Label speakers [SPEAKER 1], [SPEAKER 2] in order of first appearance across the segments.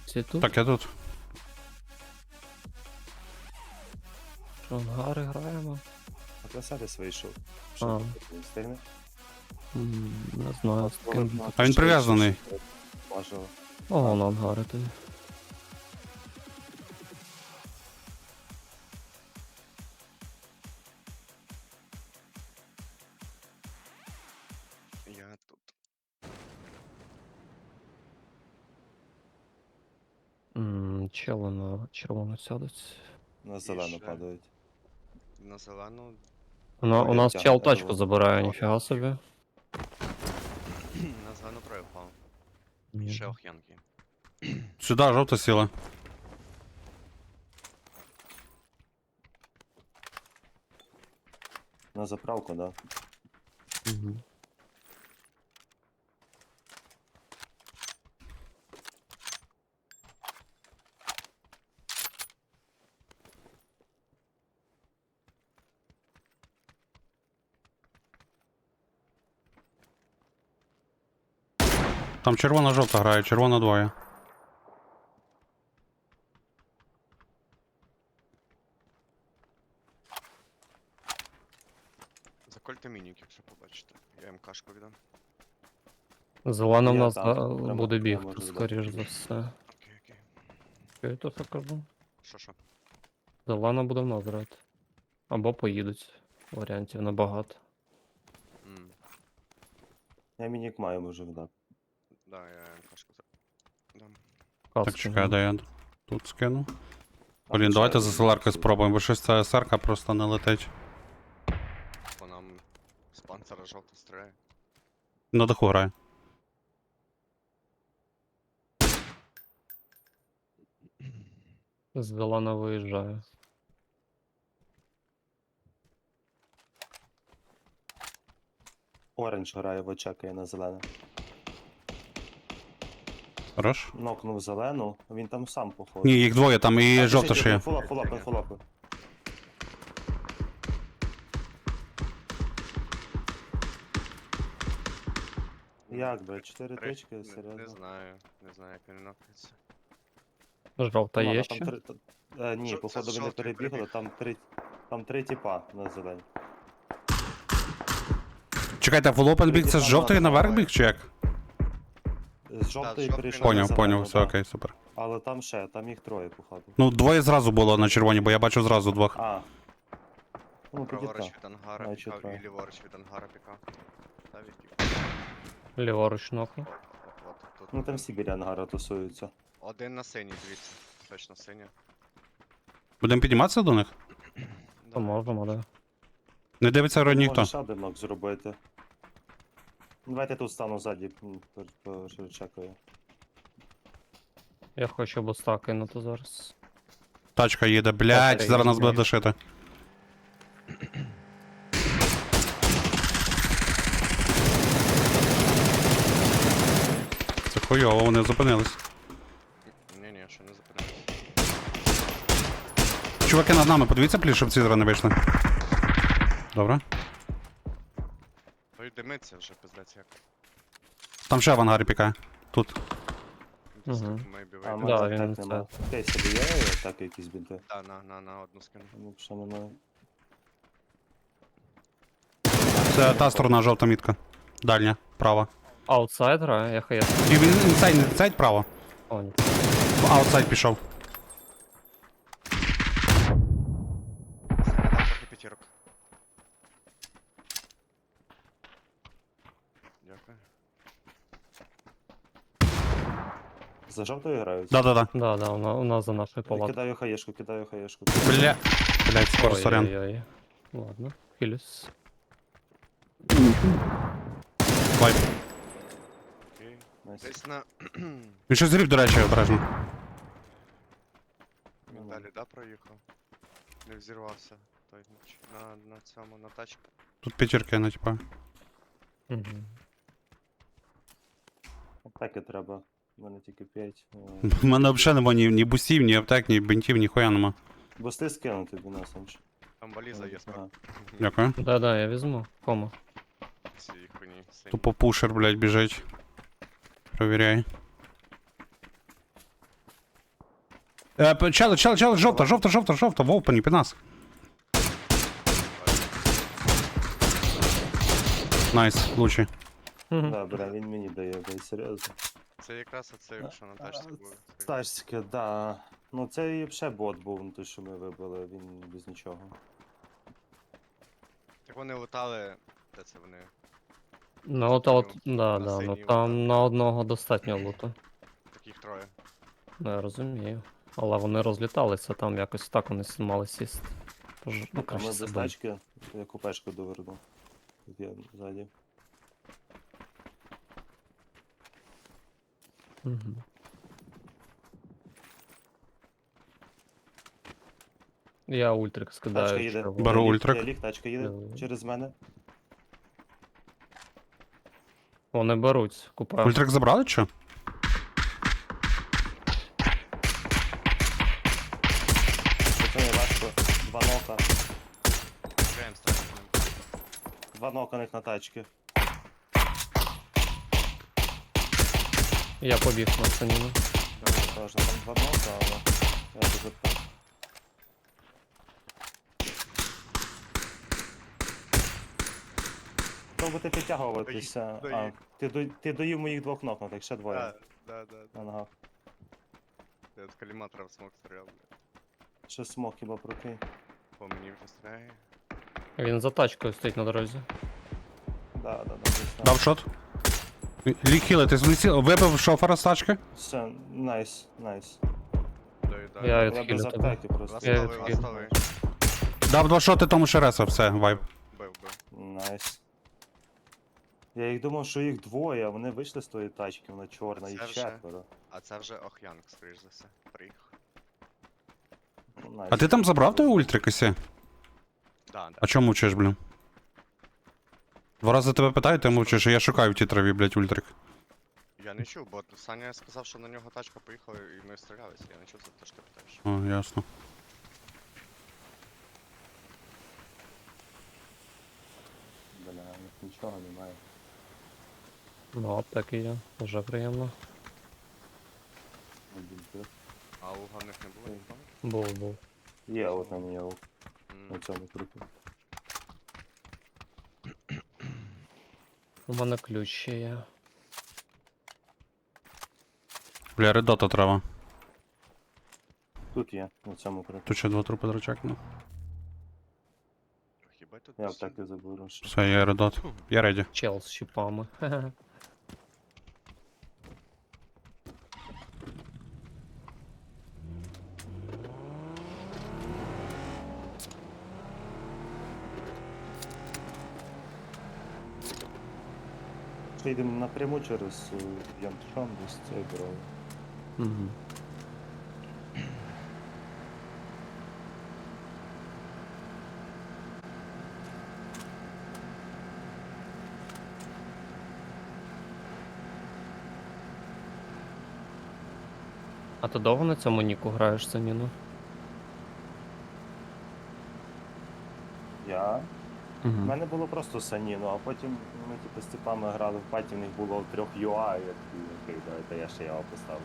[SPEAKER 1] Всі тут?
[SPEAKER 2] Так, я тут.
[SPEAKER 1] Що, ангари граємо?
[SPEAKER 3] А Красавець вийшов.
[SPEAKER 1] А.
[SPEAKER 3] Що не встигне?
[SPEAKER 1] Не знаю, з ким.
[SPEAKER 2] А він прив'язаний.
[SPEAKER 3] Можливо.
[SPEAKER 1] Ого, на ангари тоді.
[SPEAKER 4] Я тут.
[SPEAKER 1] Чело на червону сядуть.
[SPEAKER 3] На зелену
[SPEAKER 4] ще.
[SPEAKER 3] падають.
[SPEAKER 4] На зелену.
[SPEAKER 1] У нас
[SPEAKER 3] тягне,
[SPEAKER 1] чел
[SPEAKER 3] я
[SPEAKER 1] тачку
[SPEAKER 3] думав.
[SPEAKER 1] забирає, ніфіга собі.
[SPEAKER 4] На зелену троє впав.
[SPEAKER 1] Ні.
[SPEAKER 4] Ще ох'янки.
[SPEAKER 2] Сюди, жовта сіла.
[SPEAKER 3] На заправку, да.
[SPEAKER 1] Мгм.
[SPEAKER 2] Там червона-жовта грає, червона двоє.
[SPEAKER 4] Закольте мінік, якщо побачите. Я МКшку віддам.
[SPEAKER 1] Зелена в
[SPEAKER 3] Я
[SPEAKER 1] нас
[SPEAKER 3] там,
[SPEAKER 1] буде
[SPEAKER 3] прямо я
[SPEAKER 1] бігти,
[SPEAKER 3] можу
[SPEAKER 1] скоріш за все.
[SPEAKER 4] Окей, окей.
[SPEAKER 1] Що я то що кажу?
[SPEAKER 4] Що?
[SPEAKER 1] Зелена буде в нас грати. Або поїдуть. Варіантів набагато.
[SPEAKER 3] Я мінік маю, можу вдати.
[SPEAKER 4] Да, я МКшку дам.
[SPEAKER 2] Так,
[SPEAKER 1] Каски
[SPEAKER 2] чекай,
[SPEAKER 1] нема.
[SPEAKER 2] де я тут скину. Блін, давайте за селаркою спробуємо, бо щось ця СРК просто не летить.
[SPEAKER 4] По нам з панцера жовто стріляє.
[SPEAKER 2] На даху грає.
[SPEAKER 1] Зелена виїжджає.
[SPEAKER 3] Оранж грає, в чекає на зелене.
[SPEAKER 2] Хорош?
[SPEAKER 3] Нокнув зелену, він там сам походить.
[SPEAKER 2] Ні, їх двоє, там і жовта ще є.
[SPEAKER 3] Фулапи. Як, бля, 4 тички,
[SPEAKER 4] Не
[SPEAKER 3] серйозно?
[SPEAKER 4] знаю. Не знаю, як він нокається.
[SPEAKER 1] Жовта
[SPEAKER 3] Ладно,
[SPEAKER 1] є
[SPEAKER 3] там
[SPEAKER 1] ще?
[SPEAKER 3] ні,
[SPEAKER 4] Це
[SPEAKER 3] походу вони
[SPEAKER 4] жовтий
[SPEAKER 3] перебігли,
[SPEAKER 4] перебіг.
[SPEAKER 3] там три тіпа на зелені.
[SPEAKER 2] Чекайте, фулопен біг це з жовтої наверх біг чи як?
[SPEAKER 3] З жовтої
[SPEAKER 4] жовтий
[SPEAKER 3] перейшов
[SPEAKER 4] на
[SPEAKER 3] на
[SPEAKER 2] Поняв,
[SPEAKER 3] зелену,
[SPEAKER 2] все
[SPEAKER 3] да.
[SPEAKER 2] окей, супер.
[SPEAKER 3] Але там їх троє, походу.
[SPEAKER 2] Ну, двоє зразу було на червоній, бо я бачу зразу двох.
[SPEAKER 3] А. Ну, тоді
[SPEAKER 4] Праворуч
[SPEAKER 3] так.
[SPEAKER 4] від ангара
[SPEAKER 3] Значить,
[SPEAKER 4] пікав
[SPEAKER 3] троє.
[SPEAKER 4] і ліворуч від ангара пікав. Та відпік.
[SPEAKER 1] Ліворуч нокну.
[SPEAKER 4] Тут.
[SPEAKER 3] Ну там всі біля ангара тусуються.
[SPEAKER 4] Один на синій, дивіться. Точно синя.
[SPEAKER 2] Будемо підніматися до них?
[SPEAKER 1] То можемо, да.
[SPEAKER 2] Не дивиться рой ніхто.
[SPEAKER 3] Можеш один нок зробити. Давайте тут стану ззаді, що чекаю.
[SPEAKER 1] Я хочу буста кинути зараз.
[SPEAKER 2] Тачка їде, блядь, зараз нас буде дошити. Це хуйово, вони зупинились.
[SPEAKER 4] Ні, ще не зупинився.
[SPEAKER 2] Чуваки над нами, подивіться, пліс, щоб ці зараз не вийшли. Добре.
[SPEAKER 4] Той димиться вже, пиздець як.
[SPEAKER 2] Там ще в ангарі пікає. Тут.
[SPEAKER 4] Десь
[SPEAKER 1] Мгм.
[SPEAKER 4] тут maybe
[SPEAKER 3] А,
[SPEAKER 4] вийде.
[SPEAKER 1] Да,
[SPEAKER 3] може
[SPEAKER 1] він
[SPEAKER 3] так нема. Окей, собі є так якісь бінти?
[SPEAKER 4] Да, на одну скину.
[SPEAKER 3] Ну, що немає.
[SPEAKER 2] Це та сторона жовта мітка. Дальня, права.
[SPEAKER 1] Аутсайд грає, я хає.
[SPEAKER 2] І він інсайд право.
[SPEAKER 1] О, ні.
[SPEAKER 2] Аутсайд пішов.
[SPEAKER 4] Дав трохи п'ятірок. Дякую.
[SPEAKER 3] За жовтою грають?
[SPEAKER 2] Да-да-да.
[SPEAKER 1] Да, у нас за нашою палаткою.
[SPEAKER 3] Кидаю хаєшку.
[SPEAKER 2] Бля. Блять, скоро сорян.
[SPEAKER 1] Ой-ой-ой. Ладно, хилюсь.
[SPEAKER 2] Вайп.
[SPEAKER 3] Найс.
[SPEAKER 4] Окей. Десь на...
[SPEAKER 2] Він щось зрів, до речі, обережно.
[SPEAKER 4] Він далі, да, проїхав? Не взірвався. Той на цьому, на тачку.
[SPEAKER 2] Тут п'ятірки, ну типа.
[SPEAKER 1] Угу.
[SPEAKER 3] Аптеки треба. У мене тільки 5.
[SPEAKER 2] У мене взагалі нема ні бустів, ні аптек, ні бинтів, ні хуя нема.
[SPEAKER 3] Бусти скинути до нас, Анч.
[SPEAKER 4] Там валіза є справа.
[SPEAKER 2] Дякую.
[SPEAKER 1] Да, я візьму. Кому?
[SPEAKER 4] Ці хуйні сині.
[SPEAKER 2] Тупо пушер, блять, біжить. Провіряй. Чел, жовта, в опені, під нас. Найс, лучший.
[SPEAKER 3] Да, бля, він мені дає, бля, серйозно.
[SPEAKER 4] Це якраз оцей, що на тачці був.
[SPEAKER 3] Тачки, да. Ну це і ще бот був, ну, той, що ми вибили, він без нічого.
[SPEAKER 4] Так вони лутали, де це вони?
[SPEAKER 1] Ну от, да,
[SPEAKER 4] на
[SPEAKER 1] да, ну
[SPEAKER 4] синій
[SPEAKER 1] там
[SPEAKER 4] отак.
[SPEAKER 1] на одного достатньо луту.
[SPEAKER 4] Таких троє.
[SPEAKER 1] Ну, я розумію. Але вони розліталися, там якось так вони мали сісти. Тож, ну,
[SPEAKER 3] А ми
[SPEAKER 1] краще
[SPEAKER 3] без
[SPEAKER 1] себе.
[SPEAKER 3] тачки, я купешку доверну. Тут я ззаді.
[SPEAKER 1] Мгм. Я ультрик скидаю.
[SPEAKER 3] Тачка їде.
[SPEAKER 1] чого.
[SPEAKER 2] Беру
[SPEAKER 3] Я ліг,
[SPEAKER 2] ультрик.
[SPEAKER 3] Я ліг, тачка їде
[SPEAKER 1] Давай.
[SPEAKER 3] через мене.
[SPEAKER 1] Вони беруть, купаю.
[SPEAKER 2] Ультрик забрали чи?
[SPEAKER 3] Це не важко. Два нока.
[SPEAKER 4] Граєм стріляємо.
[SPEAKER 3] Два ноканих на тачки.
[SPEAKER 1] Я побіг на саніну.
[SPEAKER 3] Теж там два нока, але я дуже так. Пробуйте підтягуватися.
[SPEAKER 4] Доїв,
[SPEAKER 3] А, ти доїв моїх двох нокнутих, ще двоє.
[SPEAKER 4] Да.
[SPEAKER 3] На ногах.
[SPEAKER 4] Я от коліматора в смок стріляв, блядь.
[SPEAKER 3] Ще смок хіба прокинь.
[SPEAKER 4] По мені вже стріляє.
[SPEAKER 1] Він за тачкою стоїть на дорозі.
[SPEAKER 3] Да, десь там.
[SPEAKER 2] Дав шот. Лік хілити, вибив шофера з тачки.
[SPEAKER 3] Все, найс.
[SPEAKER 4] Доїдаю.
[SPEAKER 1] Я
[SPEAKER 3] Я
[SPEAKER 1] відхилю
[SPEAKER 3] без
[SPEAKER 1] тебе.
[SPEAKER 3] аптеки просто.
[SPEAKER 1] Я
[SPEAKER 4] Ластовий,
[SPEAKER 1] відхилю.
[SPEAKER 4] ластовий.
[SPEAKER 2] Дав 2 шоти тому Шереса, все, вайб.
[SPEAKER 4] Бив.
[SPEAKER 3] Найс. Я їх думав, що їх двоє, а вони вийшли з тої тачки, вона чорна, їх
[SPEAKER 4] Це вже-
[SPEAKER 3] четверо.
[SPEAKER 4] А це вже Ох'янг, скоріш за все. Приїхав.
[SPEAKER 3] Ну, найс.
[SPEAKER 2] А ти там забрав той ультрик ісі?
[SPEAKER 4] Да.
[SPEAKER 2] А чому мовчиш, блін? 2 рази тебе питаю, ти мовчиш, а я шукаю в тій траві, блядь, ультрик.
[SPEAKER 4] Я не чув, бо Саня сказав, що на нього тачка поїхала і ми стрілялися. Я не чув, за те, що ти питаєш.
[SPEAKER 2] О, ясно.
[SPEAKER 3] Бля, у них нічого немає.
[SPEAKER 1] Ну, аптеки є. Вже приємно.
[SPEAKER 3] Один плюс.
[SPEAKER 4] А луга в них не було нікого?
[SPEAKER 1] Був.
[SPEAKER 3] Є от на нього, на
[SPEAKER 4] М,
[SPEAKER 3] цьому трупі.
[SPEAKER 1] У мене ключ ще є.
[SPEAKER 2] Бля, редота трава.
[SPEAKER 3] Тут є, на цьому трупі.
[SPEAKER 2] Тут ще 2 трупи дрочекну.
[SPEAKER 4] Хіба тут
[SPEAKER 3] Я
[SPEAKER 4] всі-
[SPEAKER 3] аптеки заберу. ще.
[SPEAKER 2] Все, я редот. Я реді.
[SPEAKER 1] Чел з щіпами. Хе-хе.
[SPEAKER 3] Що йдемо напряму через Янтшон, десь цей дорогу.
[SPEAKER 1] Мгм. А ти довго на цьому ніку граєш саніну?
[SPEAKER 3] Я? У
[SPEAKER 1] Угу.
[SPEAKER 3] мене було просто саніно, а потім ми типу з типами грали в паті, в них було 3 ЮА, і я такий, окей, давайте я ще ЯО поставлю.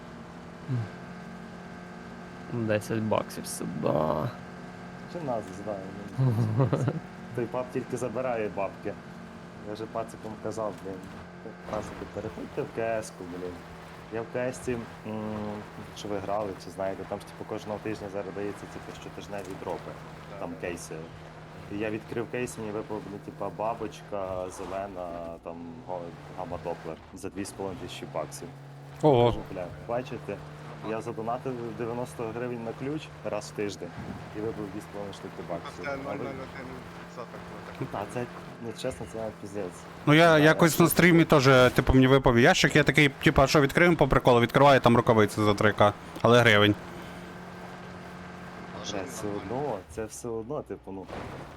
[SPEAKER 1] 10 баксів сюди.
[SPEAKER 3] Чи нас знаю, той пап тільки забирає бабки. Я вже пацикам казав, блін, пацики, переходьте в КС-ку, блін. Я в КС-ці, що ви грали, чи знаєте, там ж типу кожного тижня зараз дається типу щотижневі дропи,
[SPEAKER 4] Да,
[SPEAKER 3] там
[SPEAKER 4] да.
[SPEAKER 3] кейси. І я відкрив кейс, мені випав, типа бабочка, зелена, там гамма-доплер за 2500 баксів.
[SPEAKER 2] Ого.
[SPEAKER 3] Кажу, бля, бачите, я задонатив 90 гривень на ключ раз в тиждень і вибив 2,5 штуки
[SPEAKER 4] А
[SPEAKER 3] баксів.
[SPEAKER 4] це
[SPEAKER 3] Але-
[SPEAKER 4] 0,01% було так.
[SPEAKER 3] Та це не чесно, це навіть піздець.
[SPEAKER 2] Ну я якось на стрімі теж, типу, мені випав ящик, я такий, типу, а що відкриємо по приколу, відкриваю там рукавиці за 3К, але гривень.
[SPEAKER 4] Але що
[SPEAKER 3] Бля, все
[SPEAKER 4] нормально.
[SPEAKER 3] одно, це все одно, типу, ну.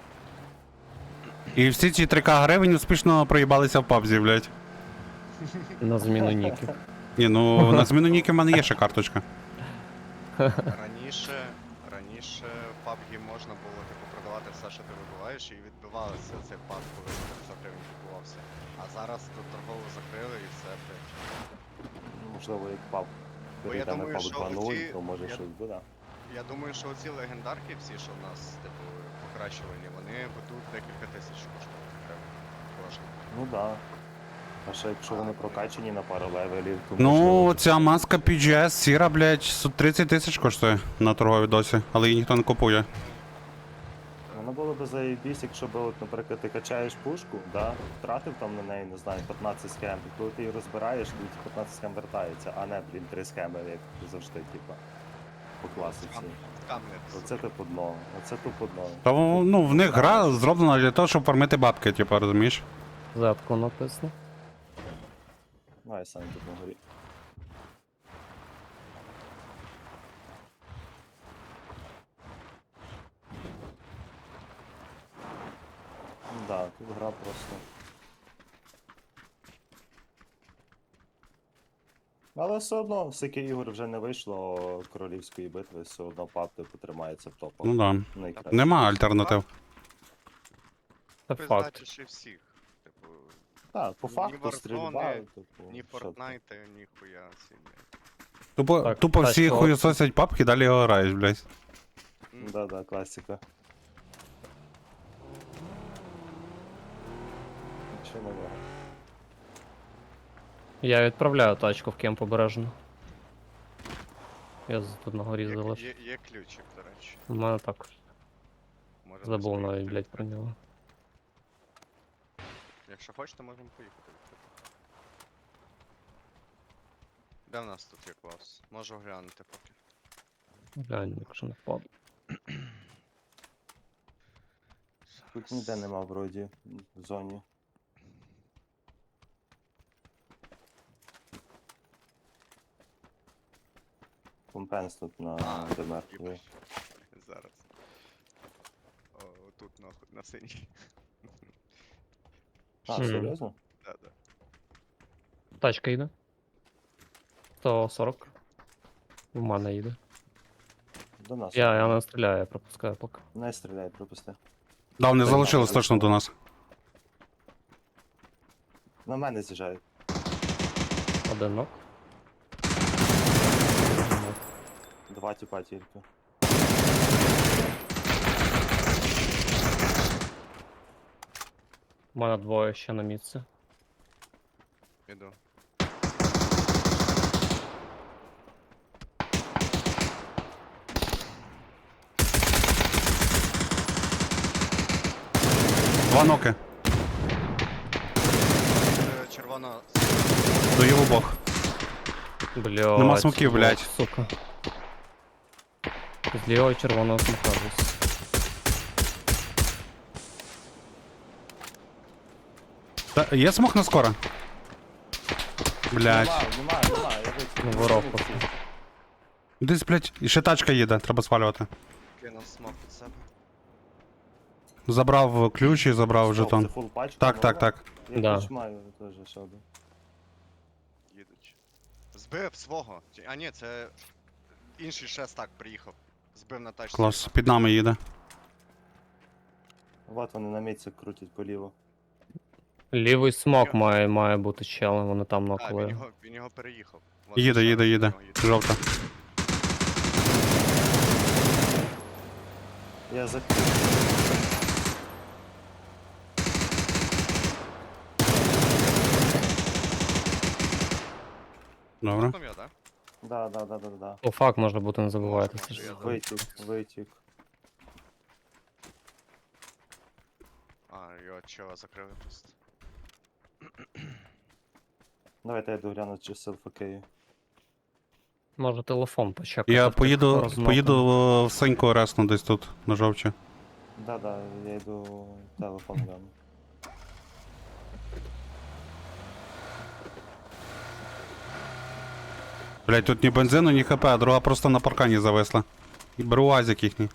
[SPEAKER 2] І всі ці 3К гривень успішно проїбалися в пабзі, блядь.
[SPEAKER 1] На зміну ніків.
[SPEAKER 2] Ні, ну на зміну ніки в мене є ще карточка.
[SPEAKER 4] Раніше в PUBG можна було типу продавати все, що ти вибиваєш, і відбивалося цей пак, коли за 300 гривень купувався. А зараз тут торгову закрили і все, блядь.
[SPEAKER 3] Можливо, як пап. перейде на
[SPEAKER 4] думаю,
[SPEAKER 3] паб
[SPEAKER 4] що
[SPEAKER 3] 2.0,
[SPEAKER 4] оці-
[SPEAKER 3] то може
[SPEAKER 4] я-
[SPEAKER 3] щось буде.
[SPEAKER 4] Я думаю, що оці легендарки всі, що в нас, типу, покращувані, вони ведуть декілька тисяч коштують гривень. Кожен.
[SPEAKER 3] Ну да. А ще якщо вони прокачані на пару левелів, то
[SPEAKER 2] Ну,
[SPEAKER 3] можливо,
[SPEAKER 2] ця маска PGS сіра, блядь, 30 тисяч коштує на торговій досі, але її ніхто не купує.
[SPEAKER 3] воно було б заєбісь, якщо б, от, наприклад, ти качаєш пушку, да, втратив там на неї, не знаю, 15 схем, і коли ти її розбираєш, то ці 15 схем вертається, а не, блін, 3 схеми, як завжди, типа, по класиці.
[SPEAKER 4] Камнет.
[SPEAKER 3] Оце тупо дно, оце тупо дно.
[SPEAKER 2] Та ну, в них гра зроблена для того, щоб фармити бабки, типу, розумієш?
[SPEAKER 1] Зетку написано.
[SPEAKER 3] Давай сам тут на горі. Да, тут гра просто. Але все одно, скільки ігор вже не вийшло королівської битви, все одно пап типу тримається в топах.
[SPEAKER 2] Ну да.
[SPEAKER 3] Найкраще.
[SPEAKER 2] Нема альтернатив.
[SPEAKER 1] Це факт.
[SPEAKER 4] Пиздачиш і всіх. Типу,
[SPEAKER 3] Так, по
[SPEAKER 4] Ні
[SPEAKER 3] факту
[SPEAKER 4] Warzone,
[SPEAKER 3] стрільба, типу.
[SPEAKER 4] ні
[SPEAKER 3] що ти.
[SPEAKER 4] Fortnite, ні хуя ці, блядь.
[SPEAKER 2] Тупо,
[SPEAKER 1] Так,
[SPEAKER 2] тупо всі
[SPEAKER 1] тачка.
[SPEAKER 2] хуєсосять папки, далі його граєш, блядь.
[SPEAKER 3] Да, класика. Нічого не виграв.
[SPEAKER 1] Я відправляю тачку в кемп обережно. Я тут на горі
[SPEAKER 4] Є,
[SPEAKER 1] залишу.
[SPEAKER 4] є ключик, до речі.
[SPEAKER 1] У мене також.
[SPEAKER 4] Можемо
[SPEAKER 1] Забув
[SPEAKER 4] собі
[SPEAKER 1] навіть,
[SPEAKER 4] відкрити.
[SPEAKER 1] блядь, про нього.
[SPEAKER 4] Якщо хочете, можемо поїхати. Де в нас тут є клас? Можу глянути поки.
[SPEAKER 1] Глянь, якщо не впаду.
[SPEAKER 3] Тут ніде нема вроді в зоні. Компенс тут на ДМР.
[SPEAKER 4] Їбать. Зараз. О, тут нахуй, на синій.
[SPEAKER 3] А,
[SPEAKER 1] Мгм.
[SPEAKER 3] серйозно?
[SPEAKER 4] Да-да.
[SPEAKER 1] Тачка їде. 140. У мене їде.
[SPEAKER 3] До нас.
[SPEAKER 1] Я не стріляю, я пропускаю поки.
[SPEAKER 3] Не стріляй, пропусти.
[SPEAKER 2] Да, вони
[SPEAKER 3] Так,
[SPEAKER 2] залишились
[SPEAKER 3] так,
[SPEAKER 2] точно до нас.
[SPEAKER 3] На мене з'їжджають.
[SPEAKER 1] Один нок.
[SPEAKER 3] Два тіпа тільки.
[SPEAKER 1] У мене двоє ще на місці.
[SPEAKER 4] Іду.
[SPEAKER 2] Два ноки.
[SPEAKER 4] Червона.
[SPEAKER 2] Даю в обох.
[SPEAKER 1] Блядь.
[SPEAKER 2] Нема смоків,
[SPEAKER 1] вот,
[SPEAKER 2] блядь.
[SPEAKER 1] Сука. З лівого червоного смока десь.
[SPEAKER 2] Та, є смок на скоро? Блядь.
[SPEAKER 3] Нема, я вийшов.
[SPEAKER 1] Ну, воровку.
[SPEAKER 2] Десь, блядь, і ще тачка їде, треба свалювати.
[SPEAKER 4] Кинув смок під себе.
[SPEAKER 2] Забрав ключ і забрав
[SPEAKER 3] Це
[SPEAKER 2] жетон.
[SPEAKER 3] фул пачка?
[SPEAKER 2] Так, так,
[SPEAKER 3] нова?
[SPEAKER 2] так.
[SPEAKER 3] Я
[SPEAKER 1] Да.
[SPEAKER 3] ключ маю теж ще один.
[SPEAKER 4] Їдуть. Збив свого. А ні, це інший ще так приїхав. Збив на тачці.
[SPEAKER 2] Клас, під нами їде.
[SPEAKER 3] Вот вони на місці крутять поліво.
[SPEAKER 1] Лівий смок має бути челем, вони там
[SPEAKER 4] А,
[SPEAKER 1] нокли.
[SPEAKER 4] він його переїхав. От ще
[SPEAKER 2] Їде,
[SPEAKER 4] раз
[SPEAKER 2] їде,
[SPEAKER 4] до
[SPEAKER 2] їде.
[SPEAKER 4] нього їде.
[SPEAKER 2] Жовта.
[SPEAKER 3] Я за...
[SPEAKER 2] Добре.
[SPEAKER 4] Там я, да?
[SPEAKER 3] Да.
[SPEAKER 1] О, фак може бути, не забувайте.
[SPEAKER 4] Може,
[SPEAKER 1] це ж.
[SPEAKER 4] я
[SPEAKER 3] Витік.
[SPEAKER 4] А, його чого закрили просто.
[SPEAKER 3] Давайте я догляну, чи селфакею.
[SPEAKER 1] Може телефон почекати.
[SPEAKER 2] Я
[SPEAKER 1] в тих
[SPEAKER 2] поїду
[SPEAKER 1] розмоках.
[SPEAKER 2] в Сеньку ресну десь тут, на жовчі.
[SPEAKER 3] Да, я йду телефон гляну.
[SPEAKER 2] Блять, тут ні бензину, ні хп, а друга просто на паркані зависла. І беру азик їхній.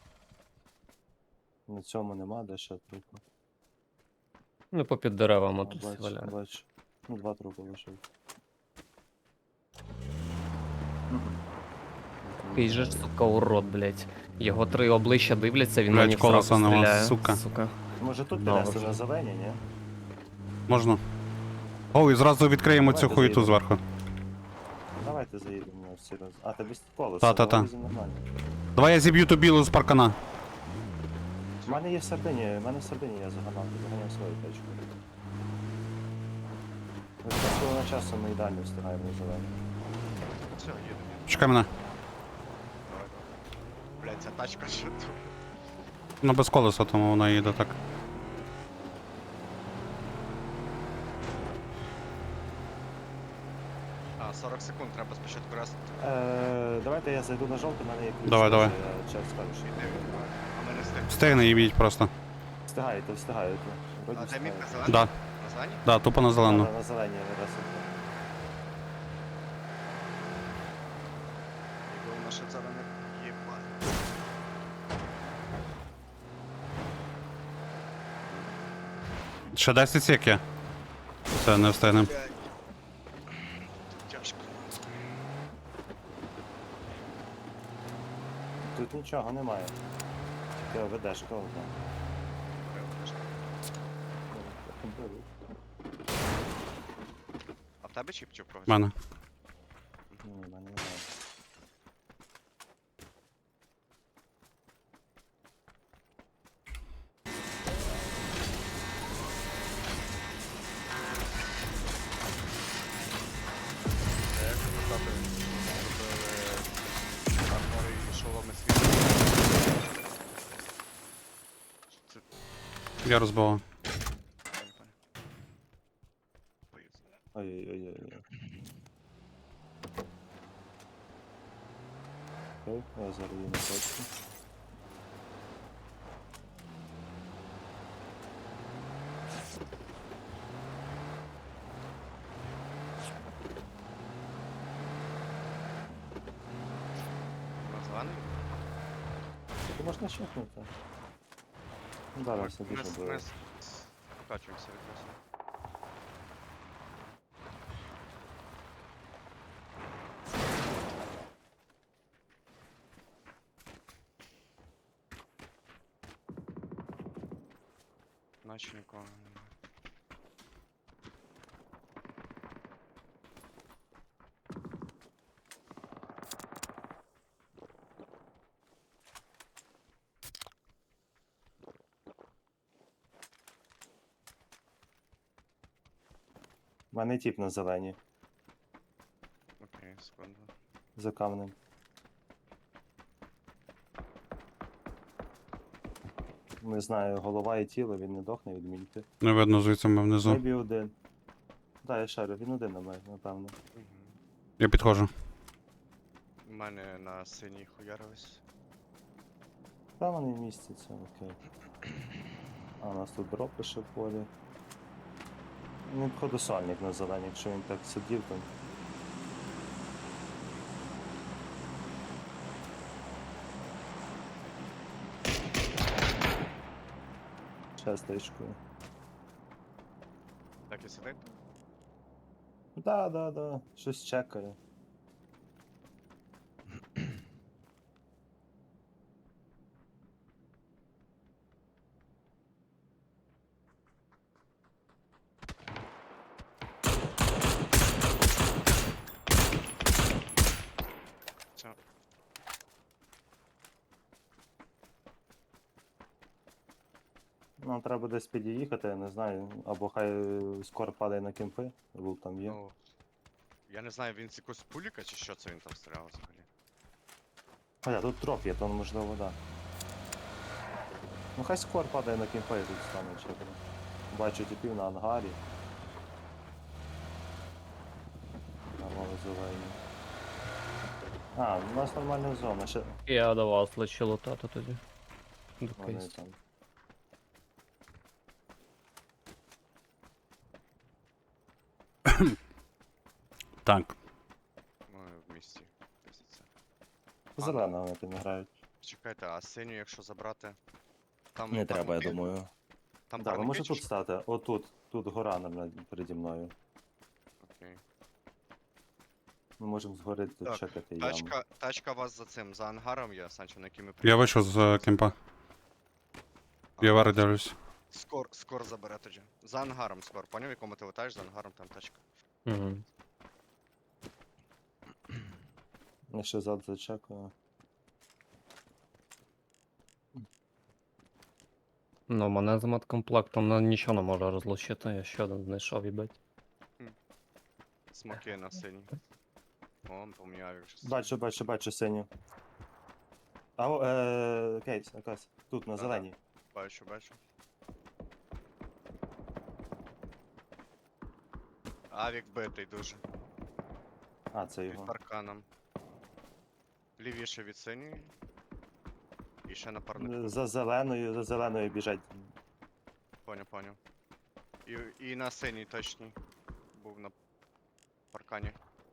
[SPEAKER 3] На цьому нема, де ще трупи.
[SPEAKER 1] Ну, попід деревами
[SPEAKER 3] А,
[SPEAKER 1] тут
[SPEAKER 3] бачу,
[SPEAKER 1] валяють.
[SPEAKER 3] бачу. Ну, два трупи лишив.
[SPEAKER 1] Який же ж, сука, урод, блять. Його 3 обличчя дивляться, він на
[SPEAKER 2] Блядь,
[SPEAKER 1] них
[SPEAKER 2] колеса
[SPEAKER 1] зразу
[SPEAKER 2] нема,
[SPEAKER 1] стріляє.
[SPEAKER 2] сука.
[SPEAKER 3] Може тут
[SPEAKER 1] Добре.
[SPEAKER 3] піднести на зелені, ні?
[SPEAKER 2] Можна. О, і зразу відкриємо цю
[SPEAKER 3] Давайте
[SPEAKER 2] хуєту
[SPEAKER 3] заїдемо.
[SPEAKER 2] зверху.
[SPEAKER 3] Давайте давайте заїдемо на всі раз. А, ти без колеса,
[SPEAKER 2] Та-та-та.
[SPEAKER 3] нормально.
[SPEAKER 2] Давай я зіб'ю ту білу з паркана.
[SPEAKER 3] У мене є в Сардині, я заганяв свою тачку. Ми з того часу ми ідеально встигаємо на зелені.
[SPEAKER 4] Все, їдемо.
[SPEAKER 2] Чекай мене.
[SPEAKER 4] Давай, давай. Блядь, ця тачка що тут?
[SPEAKER 2] Ну без колеса, тому вона їде так.
[SPEAKER 4] А, 40 секунд, треба спочатку раз.
[SPEAKER 3] Давайте я зайду на жовтий, в мене є ключ.
[SPEAKER 2] Давай, давай.
[SPEAKER 3] Я час скажу, що
[SPEAKER 4] Іди, а ми не встигнемо.
[SPEAKER 2] Встигне їбіть просто.
[SPEAKER 3] встигаєте, встигаєте. Вроді
[SPEAKER 4] А де мітка
[SPEAKER 3] встигаєте.
[SPEAKER 4] зелена?
[SPEAKER 2] Да,
[SPEAKER 4] На зелені?
[SPEAKER 2] да, тупо на зелену.
[SPEAKER 3] На зелені раз.
[SPEAKER 4] Якби наша зелена єбать.
[SPEAKER 2] Ще 10 сек є. Все, не встигнем.
[SPEAKER 4] Блядь. Тут тяжко.
[SPEAKER 3] Тут нічого немає. Тільки ведешка одна.
[SPEAKER 4] А в тебе чіп чи в когось?
[SPEAKER 2] В мене.
[SPEAKER 3] Ні, в мене немає.
[SPEAKER 4] Як сказати, зробили армори і шоломи світу. Це
[SPEAKER 2] Я розбивав.
[SPEAKER 4] понял. Поїзд.
[SPEAKER 3] Ой-ой-ой-ой. Окей, я зараз її на точку.
[SPEAKER 4] На зелений?
[SPEAKER 3] Ти можна щепнути. Зараз все дуже буде.
[SPEAKER 4] Вкачуємося відразу. Наче нікого немає.
[SPEAKER 3] У мене тіп на зелені,
[SPEAKER 4] Окей, секунду.
[SPEAKER 3] за камнем. Не знаю, голова і тіло, він не дохне від мінти.
[SPEAKER 2] Не видно звідси ми внизу.
[SPEAKER 3] Мебі один. Да, я шарю, він один на мене, напевно.
[SPEAKER 4] Угу.
[SPEAKER 2] Я підходжу.
[SPEAKER 4] У мене на синій хуярились.
[SPEAKER 3] Там вони містяться, окей. А у нас тут дропи ще в полі. Ну, походу сальник на зелені, якщо він так сидів, то. Ще стежкою.
[SPEAKER 4] Так і сидить?
[SPEAKER 3] Да, щось чекає.
[SPEAKER 4] Все.
[SPEAKER 3] Нам треба десь під'їхати, я не знаю. Або хай скоро падає на кемпи, лут там є.
[SPEAKER 4] Ну, я не знаю, він з якогось пуліка чи що це він там стріляв взагалі.
[SPEAKER 3] Хоча тут троп є, то можливо, да. Ну хай скор падає на кемпи і тут стане чекати. Бачу типів на ангарі. Нормально зелені. А, у нас нормальна зона, ще
[SPEAKER 1] Я до вас лечу лутати тоді. До
[SPEAKER 3] вони
[SPEAKER 1] кейс.
[SPEAKER 3] там.
[SPEAKER 2] Так.
[SPEAKER 4] Ми в місті. Пиздиться.
[SPEAKER 3] Зелена вони там грають.
[SPEAKER 4] Чекайте, а синю, якщо забрати. Там
[SPEAKER 3] Не треба, я
[SPEAKER 4] парники?
[SPEAKER 3] думаю.
[SPEAKER 4] Там
[SPEAKER 3] Так, ви
[SPEAKER 4] парники
[SPEAKER 3] можете
[SPEAKER 4] чи
[SPEAKER 3] тут
[SPEAKER 4] що?
[SPEAKER 3] стати. Отут. Тут гора переді мною.
[SPEAKER 4] Окей.
[SPEAKER 3] Ми можемо згори тут
[SPEAKER 4] Так,
[SPEAKER 3] чекати яму.
[SPEAKER 4] Тачка вас за цим, за ангаром є, Санчо, на який ми
[SPEAKER 2] Я вийшов з кемпа. Я вари дивлюсь.
[SPEAKER 4] Скор забере тоді. За ангаром скор. Поняв, в якому ти летаєш, за ангаром там тачка.
[SPEAKER 1] Угу.
[SPEAKER 3] Я ще зад зачекаю.
[SPEAKER 1] Ну, мене з медкомплектом нічого не може розлучити, я ще один знайшов, їбать.
[SPEAKER 4] Смоки на синій. О, поміняв якщо.
[SPEAKER 3] Бачу синю. Кейс, якась. Тут, на
[SPEAKER 4] Да-да.
[SPEAKER 3] зеленій.
[SPEAKER 4] Бачу. Авік битий дуже.
[SPEAKER 3] А, це
[SPEAKER 4] Під
[SPEAKER 3] його.
[SPEAKER 4] парканом. Лівіше від синьої. І ще напарник.
[SPEAKER 3] За зеленою біжать.
[SPEAKER 4] Поняв. І на синій точній. Був на паркані.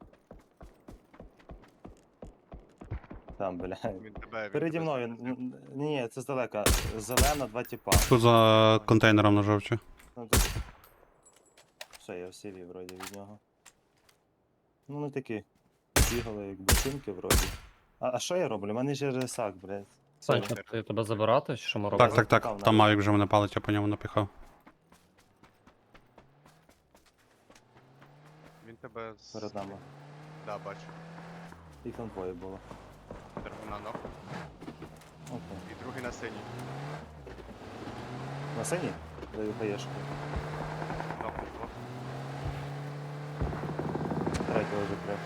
[SPEAKER 3] Там, бля.
[SPEAKER 4] Він тебе
[SPEAKER 3] Переді
[SPEAKER 4] тебе
[SPEAKER 3] мною.
[SPEAKER 4] зупинив.
[SPEAKER 3] Ні, це здалека. Зелена, два тіпа.
[SPEAKER 2] Тут за контейнером на жовчі.
[SPEAKER 3] Ну, тут... Все, я всі вів вроді від нього. Ну, не такі. Бігали як бутинки вроді. А що я роблю? У мене ж рисак, блядь.
[SPEAKER 1] Санчо, ти тебе забирати, чи що ми робимо?
[SPEAKER 2] Так. Там Мавік вже мене палить, я по ньому напіхав.
[SPEAKER 4] Він тебе з...
[SPEAKER 3] Перед нами.
[SPEAKER 4] Да, бачу.
[SPEAKER 3] Їх там двоє було.
[SPEAKER 4] Терміна ног.
[SPEAKER 3] Окей.
[SPEAKER 4] І другий на синій.
[SPEAKER 3] На синій? Даю хаєшку.
[SPEAKER 4] Ног двох.
[SPEAKER 3] Третього вже прям.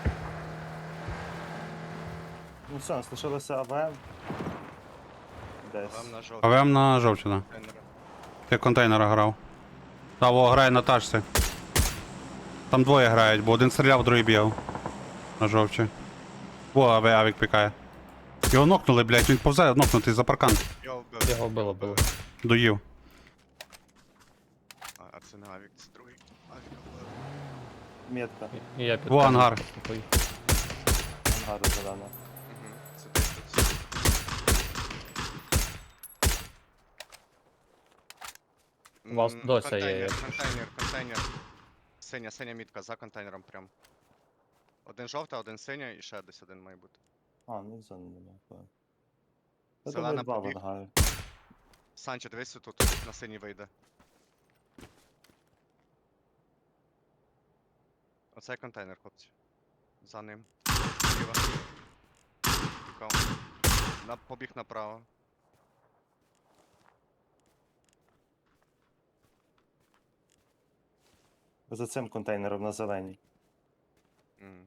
[SPEAKER 3] Ну все, нас лишилося АВМ. Десь.
[SPEAKER 4] Вам на жовтий.
[SPEAKER 2] АВМ на жовчі, да.
[SPEAKER 4] Контейнери.
[SPEAKER 2] Ти контейнера грав. Та, во, грає на тачці. Там двоє грають, бо один стріляв, другий бігав. На жовчі. Во, авік пікає. Його нокнули, блядь, він повзає нокнутий за паркан.
[SPEAKER 4] Його вбили.
[SPEAKER 1] Його вбило, було.
[SPEAKER 2] Доїв.
[SPEAKER 4] А це не авік, це другий. Авік вбили.
[SPEAKER 3] Метка.
[SPEAKER 1] І я під
[SPEAKER 2] Во, ангар.
[SPEAKER 3] Ангару зелена.
[SPEAKER 4] Угу. Це десь тут.
[SPEAKER 1] У вас досі є,
[SPEAKER 4] Контейнер. Синя мітка за контейнером прям. Один жовта, один синя і ще десь один має бути.
[SPEAKER 3] А, ну зони немає. Я
[SPEAKER 4] Зелена
[SPEAKER 3] думаю, два в
[SPEAKER 4] побіг.
[SPEAKER 3] ангарі.
[SPEAKER 4] Санчо, дивись тут, на синій вийде. Оцей контейнер, хлопці. За ним. Зліва. Пікав. Побіг направо.
[SPEAKER 3] За цим контейнером на зеленій.
[SPEAKER 4] Мгм.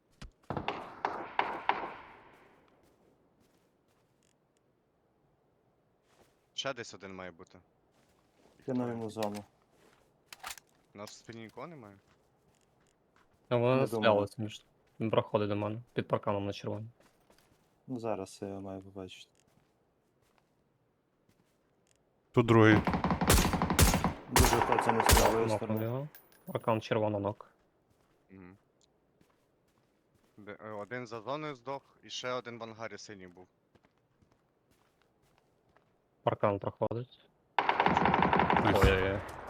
[SPEAKER 4] Ще десь один має бути. Їх
[SPEAKER 3] Кинув
[SPEAKER 4] троє.
[SPEAKER 3] йому зону.
[SPEAKER 4] У нас в спині нікого немає?
[SPEAKER 1] А вони
[SPEAKER 3] Не
[SPEAKER 1] не
[SPEAKER 3] думаю.
[SPEAKER 1] стрілялися між. Він проходить до мене. Під парканом на червоній.
[SPEAKER 3] Ну зараз я його маю побачити.
[SPEAKER 2] Тут другий.
[SPEAKER 3] Дуже коцаний з правої
[SPEAKER 1] Нокнув
[SPEAKER 3] сторони.
[SPEAKER 1] його. Паркан червоно нок.
[SPEAKER 4] Мгм. Один за зоною здох, і ще один в ангарі синій був.
[SPEAKER 1] Паркан проходить.
[SPEAKER 2] Найс.
[SPEAKER 1] Ой-ой-ой.